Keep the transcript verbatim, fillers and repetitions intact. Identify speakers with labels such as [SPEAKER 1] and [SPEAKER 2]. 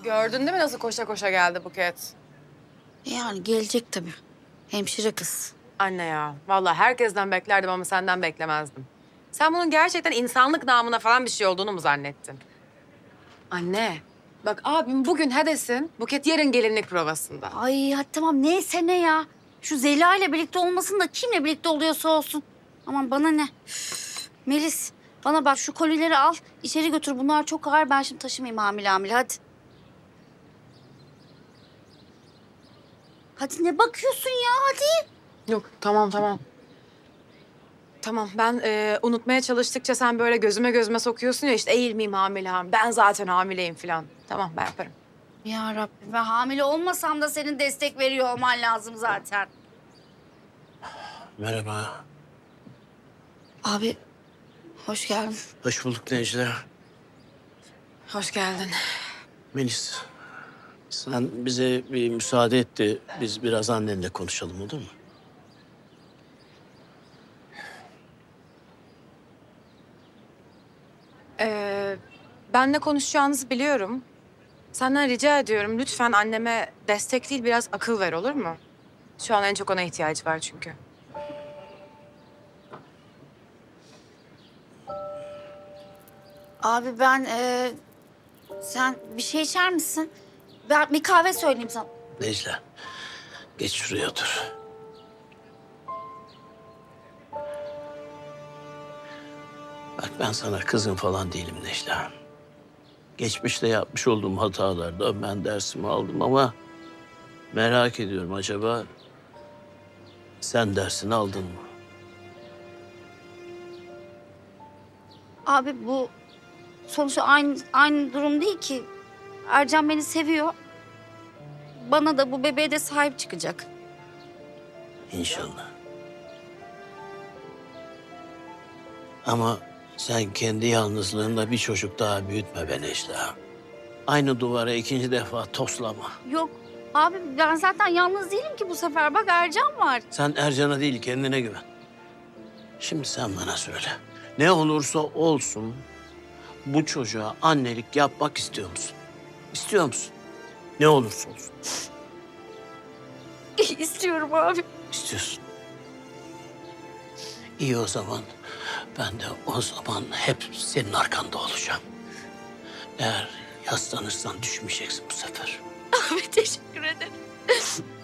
[SPEAKER 1] Gördün değil mi nasıl koşa koşa geldi Buket?
[SPEAKER 2] Yani gelecek tabii. Hemşire kız.
[SPEAKER 1] Anne ya, vallahi herkesten beklerdim ama senden beklemezdim. Sen bunun gerçekten insanlık namına falan bir şey olduğunu mu zannettin? Anne, bak abim bugün Hades'in, Buket yarın gelinlik provasında.
[SPEAKER 2] Ay hadi tamam neyse ne ya. Şu Zeliha ile birlikte olmasın da kimle birlikte oluyorsa olsun. Aman bana ne. Üf, Melis bana bak şu kolileri al içeri götür. Bunlar çok ağır, ben şimdi taşımayayım hamile hamile hadi. Hadi ne bakıyorsun ya hadi.
[SPEAKER 1] Yok, tamam tamam. Tamam, ben e, unutmaya çalıştıkça sen böyle gözüme gözüme sokuyorsun ya işte eğilmeyeyim hamile hamile. Ben zaten hamileyim falan. Tamam, ben yaparım.
[SPEAKER 2] Ya Rabbim ben hamile olmasam da senin destek veriyor olman lazım zaten.
[SPEAKER 3] Merhaba.
[SPEAKER 2] Abi hoş geldin.
[SPEAKER 3] Hoş bulduk Necla.
[SPEAKER 1] Hoş geldin.
[SPEAKER 3] Melis, sen bize bir müsaade et de biz biraz annenle konuşalım, olur mu?
[SPEAKER 1] Ee, benle konuşacağınızı biliyorum. Senden rica ediyorum lütfen anneme destek değil biraz akıl ver olur mu? Şu an en çok ona ihtiyacı var çünkü.
[SPEAKER 2] Abi ben e, sen bir şey içer misin? Ben bir kahve söyleyeyim sana.
[SPEAKER 3] Necla, geç şuraya otur. Bak ben sana kızım falan değilim Necla. Geçmişte yapmış olduğum hatalardan ben dersimi aldım ama merak ediyorum acaba sen dersini aldın mı?
[SPEAKER 2] Abi bu sonuçta aynı aynı durum değil ki. Ercan beni seviyor. Bana da bu bebeğe de sahip çıkacak.
[SPEAKER 3] İnşallah. Ama sen kendi yalnızlığında bir çocuk daha büyütme be Necla. Aynı duvara ikinci defa toslama.
[SPEAKER 2] Yok abi ben zaten yalnız değilim ki bu sefer. Bak Ercan var.
[SPEAKER 3] Sen Ercan'a değil kendine güven. Şimdi sen bana söyle. Ne olursa olsun bu çocuğa annelik yapmak istiyor musun? İstiyor musun? Ne olursa olsun.
[SPEAKER 2] İstiyorum abi.
[SPEAKER 3] İstiyorsun. İyi o zaman. Ben de o zaman hep senin arkanda olacağım. Eğer yaslanırsan düşmeyeceksin bu sefer.
[SPEAKER 2] Abi teşekkür ederim.